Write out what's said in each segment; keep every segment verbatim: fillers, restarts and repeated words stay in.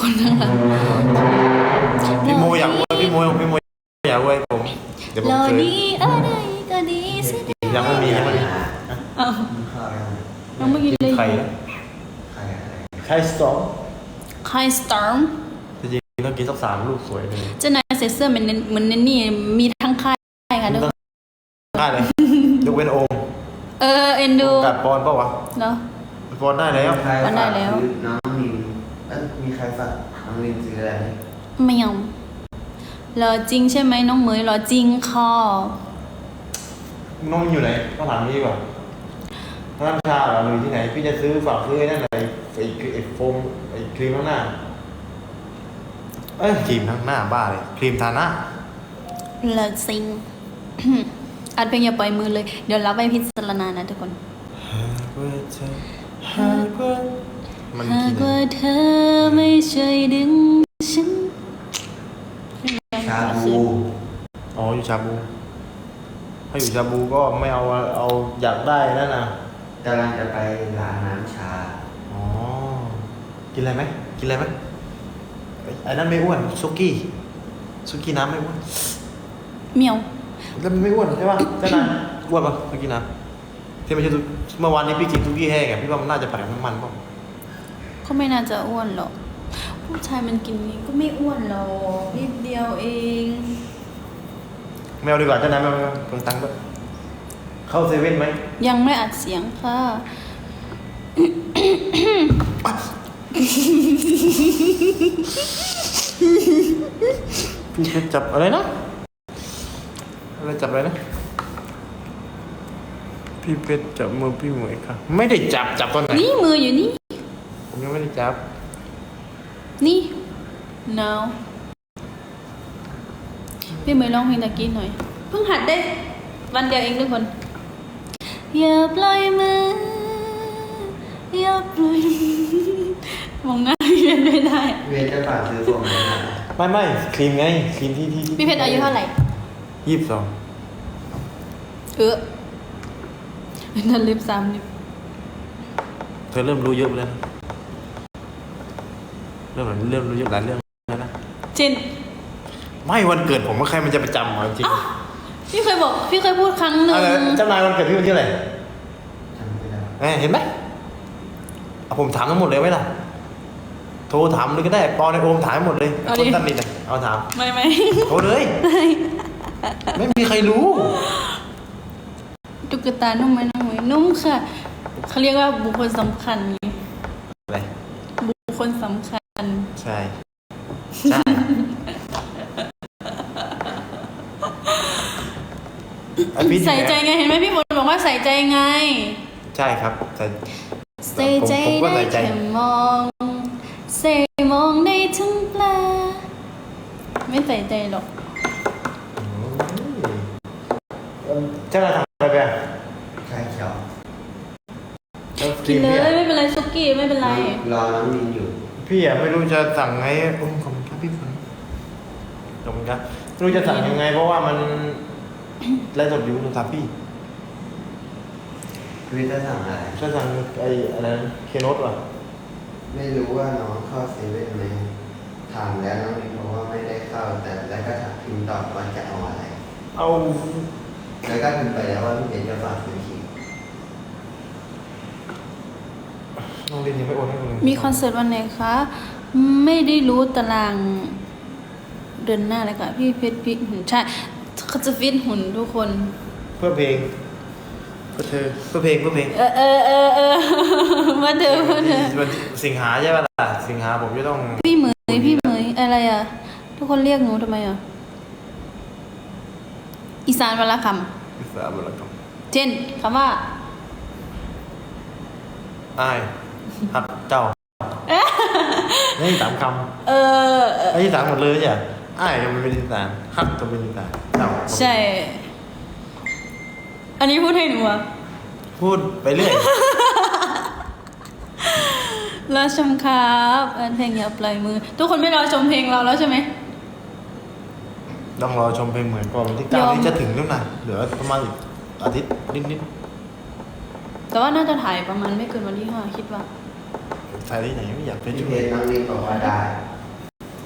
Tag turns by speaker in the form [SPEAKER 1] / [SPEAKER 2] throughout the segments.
[SPEAKER 1] คนข้างหลัง
[SPEAKER 2] พี่โมอยากอวยพี่โมพี่โมอยากอวยผมเดี๋ยวผม
[SPEAKER 1] รอ
[SPEAKER 2] เคย
[SPEAKER 1] ดีอะไรก็ดีสิ
[SPEAKER 2] ยังไม่มียังไม่มี
[SPEAKER 1] อ้าวน้องไม่กินเลย
[SPEAKER 2] ไข่ไข่สตอม
[SPEAKER 1] ไข่สตอม
[SPEAKER 2] จริงๆต้องกินสักสามลูกสวยเลย
[SPEAKER 1] เจ้านายใส่เสื้อเหมือนเหมือนนี่มีทั้งค่ายค่ะทุกคน
[SPEAKER 2] ได้เลยยกเว้นโอม
[SPEAKER 1] เออเอ็นดู
[SPEAKER 2] กัดปอนเปล่าวะ
[SPEAKER 1] เนาะ
[SPEAKER 2] ปอนได้แล้ว
[SPEAKER 1] วันได้แล้ว
[SPEAKER 3] น้องลินเอ้ยมีใครฝากน้องลินซื้ออะไรไหม
[SPEAKER 1] ไม่ยอมรอจริงใช่ไหมน้องเหมยรอจริงค่ะ
[SPEAKER 2] น้องอยู่ไหนก็ถามนี่ดีกว่าร้านชาเหรอหรือที่ไหนพี่จะซื้อฝากซื้อไอ้นั่นไหนไอ้ไอ้โฟมไอ้ครีมข้างหน้าเอ้ยครีมข้างหน้าบ้าเลยครีมทาหน้าร
[SPEAKER 1] อจริง อัดเพลงอย่าปล่อยมือเลยเดี๋ยวรับไปพิจารณานะทุกคน
[SPEAKER 2] หากว่าเธอหากว่ามัน
[SPEAKER 1] หา
[SPEAKER 2] กิ
[SPEAKER 1] ก
[SPEAKER 2] น
[SPEAKER 1] ว่าเธอไม่ช่วยดึงฉัน
[SPEAKER 3] ชาบู
[SPEAKER 2] อ๋ออยู่ชาบูถ้าอยู่ชาบูก็ไม่เอาเอาอยากได้นั่นนะ
[SPEAKER 3] กำลังจะไปร้านน้ำชา
[SPEAKER 2] อ๋อกินอะไรไหมกินอะไรไหมไอ้ไอ้นั่นไม่อ้วนซุกี้ซุกี้น้ำไม่อ้วน
[SPEAKER 1] เหมียว
[SPEAKER 2] แล้วมันไม่อ้วนใช่ป่ะเจ้านายอ้วนป่ะซุกี้น้ำที่ไม่ใช่ซุเมื่อวานนี้พี่กินซุกี้แห้งไงพี่ว่ามันน่าจะผัดกับน้ำมันป่ะ
[SPEAKER 1] ก็ไม่น่าจะอ้วนหรอกผู้ชายมันกินนี้ก็ไม่อ้วนหรอกนิดเดียวเอง
[SPEAKER 2] ไม่เอาดีกว่าเจ้านายไม่เอาเพิ่งตังค์ด้วยเข้าเซเว่นไหม
[SPEAKER 1] ยังไม่อัดเสียงค่ะ
[SPEAKER 2] พี่เพชรจับอะไรนะอะไรจับอะไรนะพี่เพชรจับมือพี่เหมยค่ะไม่ได้จับจับตอนไหน
[SPEAKER 1] นี่มืออยู่นี่
[SPEAKER 2] ผมยังไม่ได้จับ
[SPEAKER 1] นี่ no พี่เหมยร้องเพลงตะกี้หน่อย เพิ่งหัดได้วันเดียวเองทุกคน อย่าปล่อยมือ อย่าปล่อยมือมองหน้าพี่เพชรไม่ได้
[SPEAKER 3] เวียนจะฝากซื้อผมไหมนะ
[SPEAKER 2] ไม่ไม่ครีมไงครีมที่ที่ที่
[SPEAKER 1] พี่เพชรอายุเท่าไหร่
[SPEAKER 2] ยี่สิบสอง
[SPEAKER 1] เออนั่นเล็บสามเล็บ
[SPEAKER 2] เธอเริ่มรู้เยอะแล้วนะเริ่มเริ่มรู้เยอะหลายเรื่องแล้วนะ
[SPEAKER 1] เช่น
[SPEAKER 2] ไม่วันเกิดผมว่าใครมันจะไปจำเหรอจริง
[SPEAKER 1] พี่เคยบอก พี่เคยพูดครั้งหนึ่ง
[SPEAKER 2] อะไรเจ้านายวันเกิดพี่วันที่อะไหร
[SPEAKER 3] จำไม่ได้
[SPEAKER 2] เอ้ยเห็นไหมเอาผมถามทั้งหมดเลยไหมล่ะโทรถามเลยก็ได้ปอในโอมถามให้หมดเลยคนตัดนิดเลยเอาถาม
[SPEAKER 1] ไม่ไม่
[SPEAKER 2] โทรเลย ไม่มีใครรู้
[SPEAKER 1] ตุ๊กตานุ่มไหมน้องหมวยนุ่มค่ะ เขาเรียกว่าบุคคลสำคัญไง
[SPEAKER 2] อะไร
[SPEAKER 1] บุคคลสำคัญ
[SPEAKER 2] ใช่ใช่ไอ้พี่
[SPEAKER 1] ใส่ใจไงเห็นไหมพี่ฝนบอกว่าใส่ใจไง
[SPEAKER 2] ใช่ครับใส่
[SPEAKER 1] ใส่ใจ
[SPEAKER 2] ผมก็
[SPEAKER 1] ได้
[SPEAKER 2] ใส่ใจ
[SPEAKER 1] แค่มองใส่มองได้ทั้งปลาไม่ใส่ใจหรอก
[SPEAKER 2] เจ้านายทำอะไรไปอ่ะ
[SPEAKER 3] ใช่เขียว
[SPEAKER 2] แล้วค
[SPEAKER 1] กิ
[SPEAKER 2] รี
[SPEAKER 1] น
[SPEAKER 2] ม
[SPEAKER 1] เล
[SPEAKER 2] เนี่ย
[SPEAKER 1] ยไม่เป็นไรซุกี้ไม่เป็นไร
[SPEAKER 3] รอน้องลินอยู่
[SPEAKER 2] พี่อ่ะไม่รู้จะสั่งไงโอ้ขอบคุณครับพี่ฝนขอบคุณครับไม่รู้จะสั่งยังไง เพราะว่ามันไลฟ์สดอยู่โทรศัพท์พี่
[SPEAKER 3] เวียนจะสั่งอะไร
[SPEAKER 2] จะสั่งไอ้อะไรเคโนตว่ะ
[SPEAKER 3] ไม่รู้ว่าน้องเข้าเซเว่นไหมถามแล้วน้องลินบอกว่าไม่ได้เข้า แต่แล้วก็ถามพิมพ์ตอบว่าจะเอาอะไร
[SPEAKER 2] เอา
[SPEAKER 3] แล้วก็พิมพ์ไปแล้วว่าพี่เบนจะฝากซื้อครีม
[SPEAKER 2] น้องเรียนยังไม่โอนให้คุณเลย
[SPEAKER 1] มีคอนเสิร์ตวันไหนคะ ไม่ได้รู้ตารางเดือนหน้าเลยค่ะ พี่เพชรพี่หุ่นใช่เขาจะฟิตหุ่นทุกคน
[SPEAKER 2] เพื่อเพลงเพื่อเธอเพื่อเพลงเพื่อเพลง
[SPEAKER 1] เออเออเออเออมาเดิมมาเดิม
[SPEAKER 2] วันสิงหาใช่ป่ะล่ะสิงหาผมจะต้อง
[SPEAKER 1] พี่เหมยพี่เหมยอะไรอ่ะ ทุกคนเรียกหนูทำไมอ่ะ อีสานวรรณค
[SPEAKER 2] อิสระบุรกรรม
[SPEAKER 1] ำเช่นคำว่า
[SPEAKER 2] อ้ายฮักเจ้านี่สามค
[SPEAKER 1] เออเออ
[SPEAKER 2] ำไอ้ที่สามหมดเลยจ้ะอ้ายก็เป็นอีสานฮักก็เป็นอีสานเจ้า
[SPEAKER 1] ใช่ อันนี้พูดให้หนูอ่ะ
[SPEAKER 2] พูดไปเรื่อย
[SPEAKER 1] รอชมครับเออเพลงอย่าปล่อยมือ ทุกคนไม่รอชมเพลงเราแล้วใช่ไหม
[SPEAKER 2] ต้องรอชมเพลงเหมือนก่อนวันที่เก้าย
[SPEAKER 1] อม
[SPEAKER 2] นี้จะถึงแล้วนะเหลือประมาณอีกอาทิตย์นิด
[SPEAKER 1] แต่ว่าน่าจะถ่ายประมาณไม่เกินวันที่ห้าคิดว่า
[SPEAKER 2] ๆถ่ายที่ไหนไม่อยากไป
[SPEAKER 3] พี่
[SPEAKER 2] ช่ว
[SPEAKER 3] เพ
[SPEAKER 2] ย
[SPEAKER 3] ชรน้องลินบอกว่าได้
[SPEAKER 2] ฮ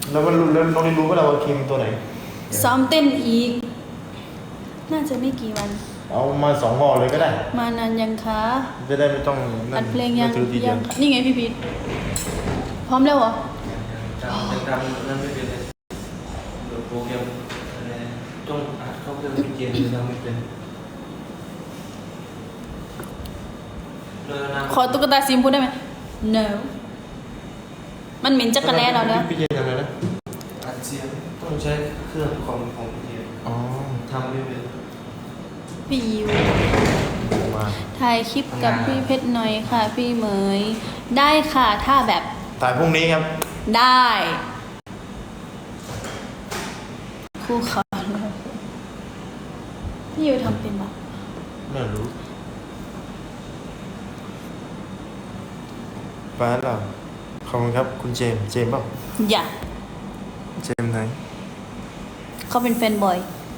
[SPEAKER 2] แล้วมันรู้แล้วน้องได้รู้ว่าเราครีมตัวไหน
[SPEAKER 1] ซ้อมเต้นอีก น่าจะไม่กี่วัน
[SPEAKER 2] เอามาสองห่อเลยก็ได้
[SPEAKER 1] มานานยังคะ
[SPEAKER 2] จะได้ไม่ต้องนั่น
[SPEAKER 1] อัดเพลงยัง
[SPEAKER 2] ไม่ถือทีเดี
[SPEAKER 1] ยั
[SPEAKER 2] ยว
[SPEAKER 1] งคะนี่ไงพี่พีทพร้อมแล้วเหรอ
[SPEAKER 4] จำยังจำนั่นไม่เป็นเลยโปรแกรมอะไรต้องอัดเข้าเครื่องเกมยังไม่เป็นเลยนะ
[SPEAKER 1] ขอตุ๊กตาซิมพูดได้ไหม no มันเหม็นจักรแล้เราแล้ว
[SPEAKER 2] พี่เจนทำอะไรนะ
[SPEAKER 4] อัดเสียงต้องใช้เครื่องของของเกม
[SPEAKER 2] อ๋อ
[SPEAKER 4] ทำไม่เป็น
[SPEAKER 1] พี่ยิว
[SPEAKER 2] มา
[SPEAKER 1] ถ่ายคลิปกับพี่เพชรหน่อยค่ะ พี่เหมย ได้ค่ะ ถ้าแบบ
[SPEAKER 2] ถ่ายพรุ่งนี้ครับ
[SPEAKER 1] ได้ครูขอเลยพี่ยิวทำเป็นปะ
[SPEAKER 2] ไม่รู้ไปแล้วเหรอขอบคุณครับคุณเจมส์เจมส์เปล่า
[SPEAKER 1] อย่า
[SPEAKER 2] เจมส์ไหน
[SPEAKER 1] เขาเป็นแฟนบอย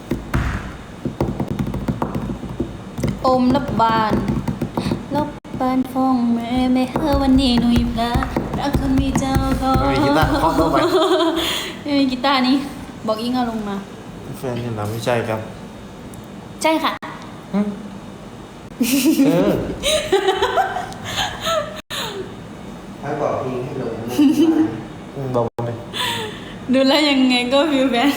[SPEAKER 1] อมรับบานรับบานฟองแม่แม่เฮอวันนี้หนุ่ยพระรักคนมีเจ้าเขา
[SPEAKER 2] ไม่มีกีตาร์เคาะเข้าไป
[SPEAKER 1] ไม่มีกีตาร์นี่บอกอิงเอาลงมา
[SPEAKER 2] แฟนนี่เราไม่ใช่ครับ
[SPEAKER 1] ใช่ค่ะ
[SPEAKER 2] หึเออ
[SPEAKER 3] ถ้าบอกพี่ให้ลงรูป
[SPEAKER 2] อืมบอกเลย
[SPEAKER 1] ดูแลวยังไงก็วิวแบน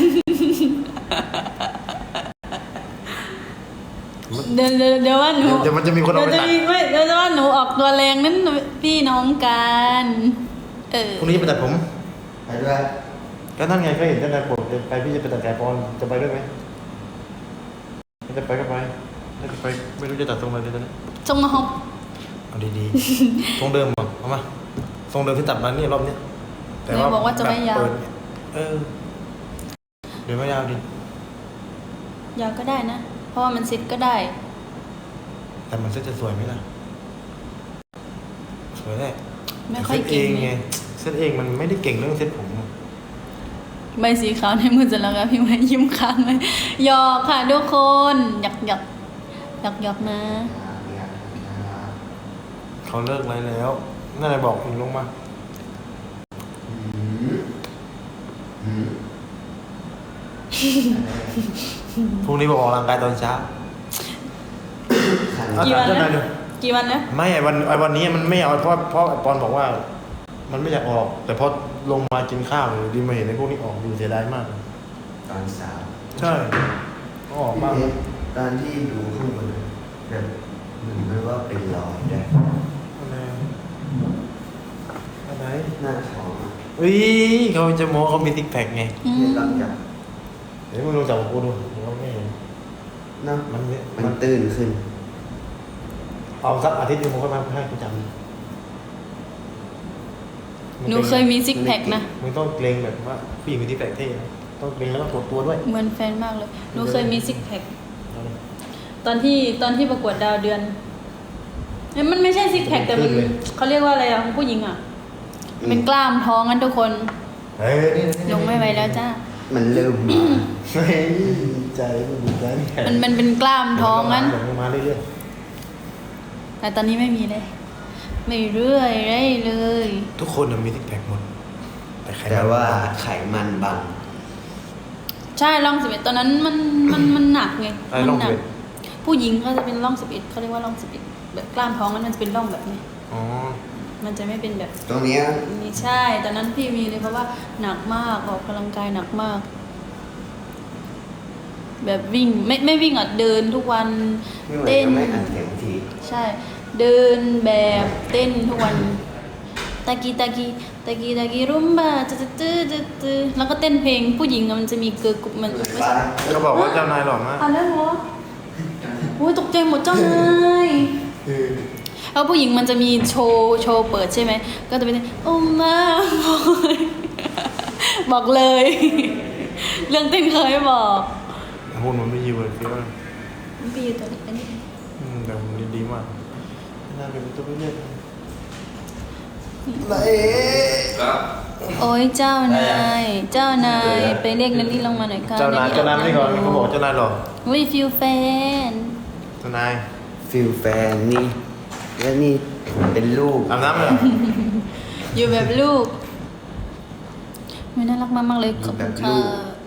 [SPEAKER 1] เดี๋ยวเดี๋ยวเดี๋ยวว่าหนู
[SPEAKER 2] เดี๋ยวมันจะมีคนเอาไป
[SPEAKER 1] เดี๋ยวจะ
[SPEAKER 2] ตัด
[SPEAKER 1] มีไม่เดี๋ยวจะว่าหนูออกตัวแรงนั้นพี่น้องกันเออ
[SPEAKER 2] พรุ่งนี้ไปตัดผม
[SPEAKER 3] ไปด้วย
[SPEAKER 2] ก็นั่นไงก็เห็นเจ้านายปวดไปพี่จะไปตัดแกปอนจะไปด้วยไหมไม่จะไปก็ไปไม่จะไปไม่รู้จะตัดตรงไหนเลยตอนนี้
[SPEAKER 1] จงมาหอบ
[SPEAKER 2] เอาดีๆ ทรงเดิมเหรอเอามาทรงเดิมที่ตัดมานี่รอบเนี้ย
[SPEAKER 1] เดี๋ยวบอกว่าจะไม่ยาว
[SPEAKER 2] แบบเปิดเนี่ยเออเดี๋ยวไม่ยาวดิ
[SPEAKER 1] ยาวก็ได้นะ เพราะว่ามันซิดก็ได้
[SPEAKER 2] แต่มันเซ็ตจะสวยไหมล่ะสวยแน่
[SPEAKER 1] ไม่ค่อย
[SPEAKER 2] เซ็ตเอ
[SPEAKER 1] เก่ง
[SPEAKER 2] งไงเซ็ตเองมันไม่ได้เก่งเรื่องเซ็ตผมอะ
[SPEAKER 1] ใบสีขาวในมือจะแล้วครับพี่ไว้ยิ้มค้างเลยหยอกค่ะทุกคนหยอกหยอกหยอกหยอกนะ
[SPEAKER 2] เขาเลิกอะไรแล้วนั่นเลยบอกคุณลงมา
[SPEAKER 3] อืมอืม
[SPEAKER 2] พรุ่งนี้บอกออกกำลังกายตอนเช้า
[SPEAKER 3] ขัน
[SPEAKER 2] เอา
[SPEAKER 1] กี่วัน
[SPEAKER 2] ถามเจ้า
[SPEAKER 1] แล้
[SPEAKER 2] นายว ดู
[SPEAKER 1] กี่วันแล้ว
[SPEAKER 2] ไม่ไอ้วันไอ้วันนี้มันไม่เอาเพราะเพราะไอ้ปอนบอกว่า มันไม่อยากออก แต่พอลงมากินข้าวอยู่ดีมาเห็นไอ้พวกนี้ออกดูเสียดายมาก
[SPEAKER 3] ตอนสาว
[SPEAKER 2] ใช่ก็ออกมาก
[SPEAKER 3] พี่เพชรตอนที่ดูข้างบนแบบเหมือนมันว่าเป็นรอยด้วย
[SPEAKER 2] อะไรอะไร
[SPEAKER 3] หน้าท้องอะ
[SPEAKER 2] อุ้ยเขาจะโม้เขามีซิกแพคไง
[SPEAKER 1] อืม
[SPEAKER 3] พี่ลองจับ
[SPEAKER 2] เดี๋ยวมึงลองจับกับกูดูเราไม่เห็น
[SPEAKER 3] เนาะ
[SPEAKER 2] มันเนี่ย
[SPEAKER 3] มันตื้นขึ้น
[SPEAKER 2] เอาสักอาทิตย์หนึงมึงก็มาให้กูจำ
[SPEAKER 1] หนูเคยมีซิกแพคนะ
[SPEAKER 2] มึงต้องเกรงแบบว่าผู้หญิงมีซิกแพคเท่นะต้องเกรงแล้วก็ถดตัวด้วย
[SPEAKER 1] เหมือนแฟนมากเลยหนูเคยมีซิกแพคตอนที่ตอนที่ประกวดดาวเดือนเอ้ยมันไม่ใช่ซิกแพคแต่มันเขาเรียกว่าอะไรอ่ะของผู้หญิงอ่ะ เป็นกล้ามท้องกันทุกคน
[SPEAKER 2] เฮ้ยนี่นี่
[SPEAKER 1] ลงไม่ไหวแล้วจ้า
[SPEAKER 3] มันเริ่มมา
[SPEAKER 2] เฮ้ยดีใจดีใจ
[SPEAKER 1] มันมันเป็นกล้ามท้องงั้น
[SPEAKER 2] เดี๋ยวมึงมาเรื่อย
[SPEAKER 1] แต่ตอนนี้ไม่มีเลย ไม่เรื่อยได้เลย
[SPEAKER 2] ๆทุกคนน่ะมีซิกแพคหมดแต่ใคร
[SPEAKER 3] แต่ว่าไขมันบัง
[SPEAKER 1] ใช่ร่องสิบเอ็ดตอนนั้นมันมันมันหนักไง
[SPEAKER 2] ไอ้
[SPEAKER 1] มั
[SPEAKER 2] ลอง
[SPEAKER 1] หนั
[SPEAKER 2] เว
[SPEAKER 1] ก
[SPEAKER 2] ท
[SPEAKER 1] ผู้หญิงก็จะเป็นร่องสิบเอ็ดเขาเรียกว่าร่องสิบเอ็ดแบบกล้ามท้องนั้นมันจะเป็นร่องแบบนี้
[SPEAKER 2] อ๋อ
[SPEAKER 1] มันจะไม่เป็นแบบ
[SPEAKER 3] ตรงเนี้ย
[SPEAKER 1] นี่ใช่ตอนนั้นพี่มีเลยเพราะว่าหนักมากออกกำลังกายหนักมาก แบบวิ่งไม่ไม่วิ่งอ่ะเดินทุกวัน
[SPEAKER 3] ไม่ไหว
[SPEAKER 1] เต้น
[SPEAKER 3] ก็ไม่อัดเสียงที
[SPEAKER 1] ใช่ เดินแบบเต้นทุกวันตะกี้ตะกี้ตะกี้ตะกี้รุมบ้าตื้อตื้อตื้อตื้อแล้วก็เต้นเพลงผู้หญิงอะมันจะมีเกิร์ลกรุ๊ปมันไม่
[SPEAKER 3] ไป
[SPEAKER 1] ใช่
[SPEAKER 2] เขาบอกว่าเจ้านายหล่อมาก
[SPEAKER 1] อ่านแล้วเหรอโอ้ยตกใจหมดเจ้านาย
[SPEAKER 2] เออ
[SPEAKER 1] แล้วผู้หญิงมันจะมีโชว์โชว์เปิดใช่ไหมก็จะเป็นโอ้มาบอกเลย เรื่องเต้นเคยบอก
[SPEAKER 2] หุ่นมันไม่ยิวเลยพี่ว่า
[SPEAKER 1] มันไปอยู่ตัวนี้อันนี้
[SPEAKER 2] อืมแต่หุ่นดีๆมากน่าเป็นตัวเลือกไหน
[SPEAKER 4] ครับ
[SPEAKER 1] โอ้ยเจ้านายเจ้านายไปเรียกนันนี่ลงมาหน่อยค่ะ
[SPEAKER 2] เจ้านายเจ้านายไม่ได้ก่อนเขาบอกเจ้านายหล่อ
[SPEAKER 1] วิฟิวแฟน
[SPEAKER 2] เจ้านาย
[SPEAKER 3] ฟิลแฟนนี่ แล้วนี่เป็นลูก
[SPEAKER 2] อาบน้ำเลยเหรอ
[SPEAKER 1] อยู่แบบลูกไม่น่ารักมากๆเลยขอบคุณค่ะ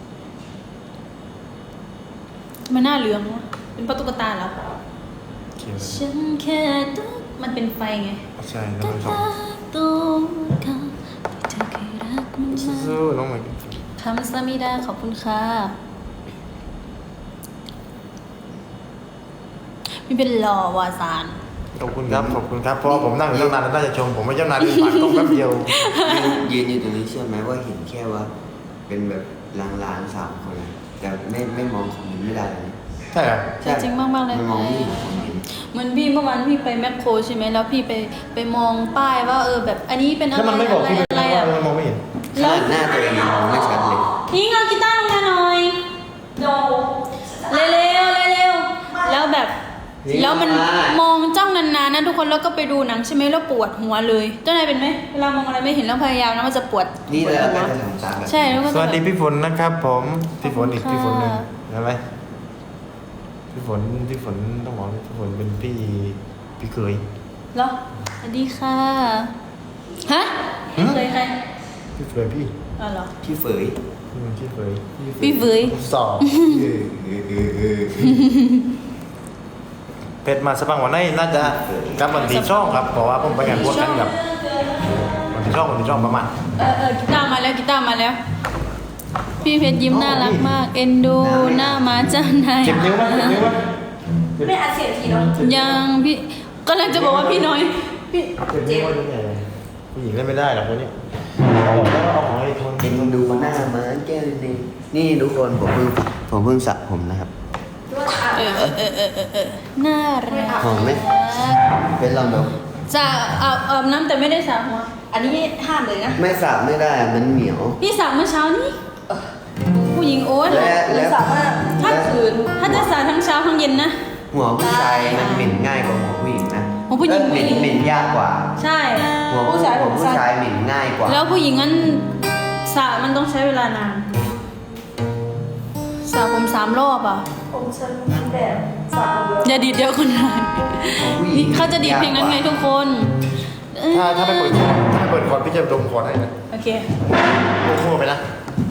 [SPEAKER 1] ทำไมหน้าเหลืองวะเป็นเพราะตุ๊กตาเหรอ
[SPEAKER 2] เขียน
[SPEAKER 1] ฉันแค่ตุ๊กมันเป็นไฟไง
[SPEAKER 2] ใช่น้องไม่ชอบ
[SPEAKER 1] ตัวเขาที่เธอเคยรักมันมา
[SPEAKER 2] สู้ๆน้องใหม่
[SPEAKER 1] คำสามิดาขอบคุณค่ะพี่เป็นหล่อวาซาน
[SPEAKER 2] ขอบคุณครับขอบคุณครับเพราะว่าผมนั่งอยู่ตั้งนานแล้วน่าจะชมผมไม่เจ้านายเป็นปากต้องแป๊บเดียว
[SPEAKER 3] ยืนยืนอยู่ตรงนี้เชื่อไหมว่าเห็นแค่ว่า เป็นแบบลางๆสามคนเลยแต่ไม่ไม่มองของมันไม่ได้เลยนะ
[SPEAKER 2] ใช่เหรอ
[SPEAKER 1] ใช่จริงมากๆเลย
[SPEAKER 3] ไม่มองไม่เห็นผมเห็น
[SPEAKER 1] เหมือนพี่เมื่อวานพี่ไปแมคโครใช่ไหมแล้วพี่ไปไปมองป้ายว่าเออแบบอันนี้เป็นอะ
[SPEAKER 2] แล้ว
[SPEAKER 1] ไร
[SPEAKER 2] มันไม่บอก
[SPEAKER 1] อะไร
[SPEAKER 2] พี่
[SPEAKER 1] อะไร
[SPEAKER 2] ว่า
[SPEAKER 1] อ่ะ
[SPEAKER 2] มันมองไม่เห็น
[SPEAKER 3] ขนาดหน้าตัวเองยังมองไม่ชัดเลย
[SPEAKER 1] นี่เอากีตาร์ลงมาหน่อยโดเร็วๆเร็วๆแล้วแบบแล้วมันมองจ้องนานๆนะทุกคนแล้วก็ไปดูหนังใช่ไหมแล้วปวดหัวเลยเจ้านายเป็นไหมเวลามองอะไรไม่เห็นแล้วพยายามนะมันจะปวด
[SPEAKER 3] นี่
[SPEAKER 1] ปวด
[SPEAKER 3] แล้ว
[SPEAKER 1] หั
[SPEAKER 3] ก็
[SPEAKER 1] ว
[SPEAKER 3] จะทำตามแบบ
[SPEAKER 1] ใช่แล้วก็
[SPEAKER 2] ส
[SPEAKER 1] จะ
[SPEAKER 2] วัส
[SPEAKER 1] แบบ
[SPEAKER 2] ดีพี่ฝนนะครับผมพี่ฝนอีก
[SPEAKER 1] ขอบคุณ
[SPEAKER 2] พี่ฝนหนึ่ง
[SPEAKER 1] ค่ะ
[SPEAKER 2] เห็นไหมพี่ฝนพี่ฝนต้องบอกว่าพี่ฝนเป็นพี่พี่เคย
[SPEAKER 1] เหรอสวัสดีค่ะฮะพี่เคยใคร
[SPEAKER 2] พี่เคยพี่
[SPEAKER 1] อ๋อเหรอ
[SPEAKER 3] พี่เฟย
[SPEAKER 2] อืมพี่เคย
[SPEAKER 1] พี่เฟย
[SPEAKER 2] สอบ
[SPEAKER 3] เออเออเออเออ
[SPEAKER 2] เป็ดมาสปังวันนี้น่าจะกลับวันที่ช่องครับเพราะว่าผมไปงานบวชกันกับวันที่ช่องวันที่ช่องประมาณ
[SPEAKER 1] เออเออกีตาร์มาแล้วกีตาร์มาแล้ว พี่เพชรยิ้มน่ารักมาก เอ็นดูหน้ามาจ้านาย
[SPEAKER 2] เจ็บนิ้วมั้ยเจ็บนิ้วมั้ย
[SPEAKER 5] ไม่อัดเสียงทีเนาะ
[SPEAKER 1] ยังพี่ก็เลยจะบอกว่าพี่น้อยพี่
[SPEAKER 2] เจ็บนิ้วมั้ยยังไงผู้หญิงเล่นไม่ได้หรอกคนนี้เอาแล้วเอาของไอ้คน
[SPEAKER 3] เอ็นดูหน้ามาแก้วนึงนี่ทุกคนผมเพิ่งผมเพิ่งสระผมนะครับ
[SPEAKER 5] ด้วยอ่ะ
[SPEAKER 1] เออเออเออเออเออเออน่ารัก
[SPEAKER 3] หอมไหม เป็นลองดู
[SPEAKER 1] จะอาบอาบน้ำแต่ไม่ได้สระหัว
[SPEAKER 5] อันนี้ห้ามเลยนะ
[SPEAKER 3] ไม่สระไม่ได้มันเหนียว
[SPEAKER 1] พี่สระเมื่อเช้านี้ผู้หญิงโอ๊ต
[SPEAKER 3] และ
[SPEAKER 5] หรือสามารถ
[SPEAKER 1] ถ้าคืนถ้าจะสระทั้งเช้าทั้งเย็นนะ
[SPEAKER 3] หัวผู้ชายมันเหม็นง่ายกว่าหัวผู้หญิงนะ
[SPEAKER 1] หัวผู้หญิง
[SPEAKER 3] เอ้ยเหม็นเหม็นยากกว่า
[SPEAKER 1] ใช่
[SPEAKER 3] หัว
[SPEAKER 5] ผู้ชายผม
[SPEAKER 3] ผู้
[SPEAKER 5] สั้น
[SPEAKER 3] ชายเหม็นง่ายกว่า
[SPEAKER 1] แล้วผู้หญิงนั้นสระมันต้องใช้เวลานานสระผมสามรอบอ่ะ
[SPEAKER 5] ผมฉันแบบสามเดือน
[SPEAKER 1] อย่าดีดเดียวคนหน่อย
[SPEAKER 3] หัวผู้หญิ
[SPEAKER 1] นี่เขาจะดีดเพลงนั้นไงทุกคนเอ้ย
[SPEAKER 2] ถ้าถ้าไม่เปิดถ้าไม่เปิดคอร์ดพี่จะดมคอร์ดให้นะ
[SPEAKER 1] โอเค
[SPEAKER 2] โค้งไปนะ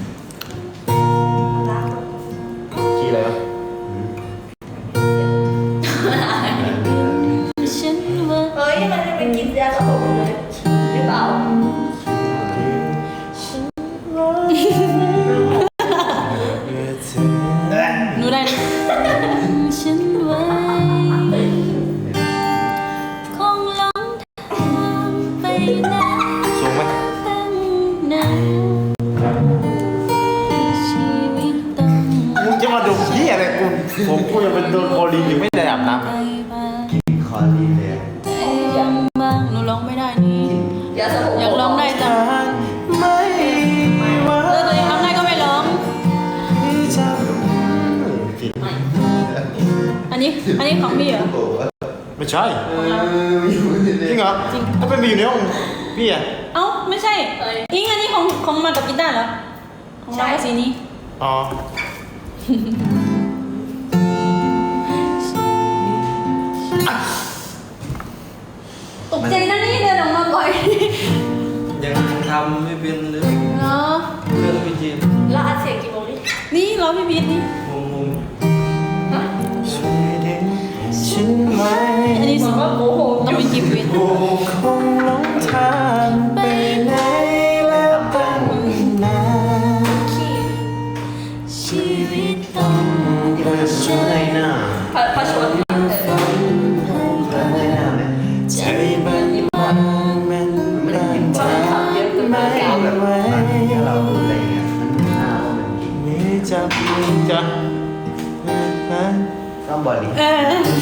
[SPEAKER 2] คีย์อะไรวะ
[SPEAKER 1] ฉันว่า
[SPEAKER 5] เฮ้ยมันจะไปกินยาสระผมเลยหรือเปล่า
[SPEAKER 1] หนูได้นะฉันว่าคงหลงทางไปนาน
[SPEAKER 2] สูงไหม
[SPEAKER 1] ตั้งนานชีวิตต้อง
[SPEAKER 2] มึงจะมาดมที่อะไรกูผมกูยังเป็นโดนคอลีนอยู่ไม่ได้อาบน้ำ
[SPEAKER 1] ไปบ้าง
[SPEAKER 3] คอดีเลยอะ
[SPEAKER 1] ใจยังบางหนูร้องไม่ได้นี่
[SPEAKER 5] ยาสระผม
[SPEAKER 1] อยากร้องได้จัง
[SPEAKER 2] ไม่
[SPEAKER 1] เออตัวเองร้องได้ก็ไม่ร้อง
[SPEAKER 2] ผิด
[SPEAKER 1] อันนี้ อันนี้ของพี่เหรอ
[SPEAKER 3] โอ้โห
[SPEAKER 2] ไม่ใช่
[SPEAKER 3] เอออยู่ใน
[SPEAKER 2] จริงเหรอ
[SPEAKER 1] จริง
[SPEAKER 2] ถ้าเป็นไปอยู่ในห้องพี่อะ
[SPEAKER 1] เอ้าไม่ใช่อิงอันนี้ของของมากับกีตาร์เหรอ ของเราก็สีนี้
[SPEAKER 2] อ๋อ
[SPEAKER 1] ตกใจนะนี่เดินออกมาบ่อย
[SPEAKER 4] ยังทำไม่เป็นเลย
[SPEAKER 1] เนาะ
[SPEAKER 4] เรื่องพี่เจมส์
[SPEAKER 5] แล้วอัดเสียงกี่โมงนี่
[SPEAKER 1] นี่เราพี่พีทนี่
[SPEAKER 4] งงง
[SPEAKER 5] ฮะ
[SPEAKER 2] ช่วยดึงฉันไว้
[SPEAKER 1] อันนี้
[SPEAKER 5] บอกว่าโอ้โห
[SPEAKER 1] ต้องเป็นกิฟต์วิท
[SPEAKER 2] กูคงหลงทางไปไหนแล้วตั้งนาน
[SPEAKER 5] ขี้
[SPEAKER 1] ชีวิตต้อง
[SPEAKER 3] เออช่วยหน้า
[SPEAKER 5] พาพาชวนเออ
[SPEAKER 3] ช่วยหน้าไหม
[SPEAKER 2] ใจมันมันมันมัน
[SPEAKER 5] ตอนขับเยอะเกินไป
[SPEAKER 3] ไม่เอาแบบว่าตอนที่เราดูอะไรเงี้ยมันหน้าว่ามันกิน
[SPEAKER 2] มีจับมือจับฮะ
[SPEAKER 3] ต้องบริ
[SPEAKER 1] เออ